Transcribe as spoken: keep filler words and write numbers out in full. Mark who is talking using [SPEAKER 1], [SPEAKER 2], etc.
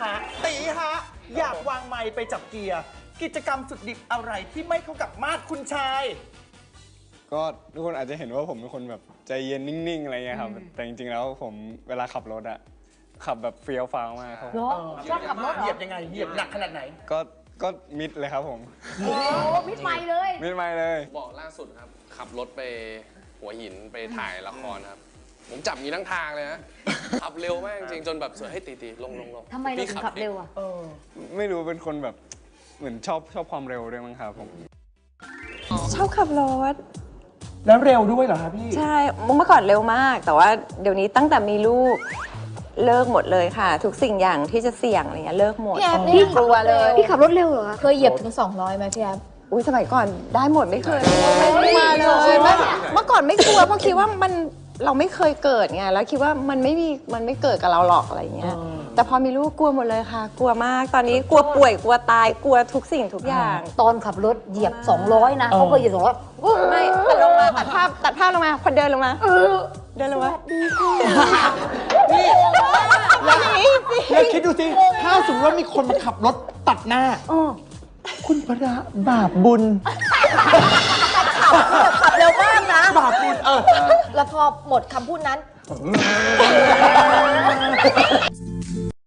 [SPEAKER 1] ฮะตีฮะอยากวางไมค์ไปจับเกียร์กิจกรรมสุดดิบอะไรที่ไม่เข้ากับมาดคุณชาย
[SPEAKER 2] ก็ทุกคนอาจจะเห็นว่าผมเป็นคนแบบใจเย็นนิ่งๆอะไรเงี้ยครับแต่จริงๆแล้วผมเวลาขับรถอะขับแบบเฟี้ยวฟ้าวมากครับ
[SPEAKER 3] ชอบขับรถ
[SPEAKER 1] เหยียบยังไงเหยียบหนักขนาดไหน
[SPEAKER 2] ก็ก็มิดเลยครับผม
[SPEAKER 3] โอ้มิดไมค์เลย
[SPEAKER 2] มิดไมค์เลย
[SPEAKER 4] บอกล่าสุดครับขับรถไปหัวหินไปถ่ายละครครับผมจับมีทั้งทางเลยฮะขับเร็วมากจริงจนแบบเสือให้ตีๆลงลงลง
[SPEAKER 3] ทำไมเราถึงขับเร็วอ่ะ
[SPEAKER 2] ไม่รู้เป็นคนแบบเหมือนชอบชอบความเร็วด้วยมั้งครับผม
[SPEAKER 5] ชอบขับรถ
[SPEAKER 1] แล้วเร็วด้วยเหรอคะพี่
[SPEAKER 5] ใช่เมื่อก่อนเร็วมากแต่ว่าเดี๋ยวนี้ตั้งแต่มีลูกเลิกหมดเลยค่ะทุกสิ่งอย่างที่จะเสี่ยงอะไรเงี้ยเลิกหมด
[SPEAKER 3] พี่กลัวเลยพี่ขับรถเร็วเหรอเคยเหยียบถึงสองร้อยไหมพี่แอฟ
[SPEAKER 5] อุ้ยสมัยก่อนได้หมดไม่เคยไม่มาเลยเมื่อก่อนไม่กลัวเพราะคิดว่ามันเราไม่เคยเกิดไงแล้วคิดว่ามันไม่มีมันไม่เกิดกับเราหรอกอะไรเงี้ยแต่พอมีลูกกลัวหมดเลยค่ะกลัวมากตอนนี้กลัวป่วยกลัวตายกลัวทุกสิ่งทุกอย่าง
[SPEAKER 3] ตอนขับรถเหยียบสองร้อยนะเขาเคยเหยียบสองร้อย
[SPEAKER 5] ไม่ตัดลงมาตัดภาพตัดภาพลงมาพอเดินลงมาเดินลงมา
[SPEAKER 1] นี่แล้วแล้วคิดดูสิถ้าสมมติว่ามีคนมาขับรถตัดหน้าคุณพระบาปบุญ
[SPEAKER 3] ขับเร็วมากนะ
[SPEAKER 1] บาปบุญเออ
[SPEAKER 3] แล้วพอหมดคำพูดนั้น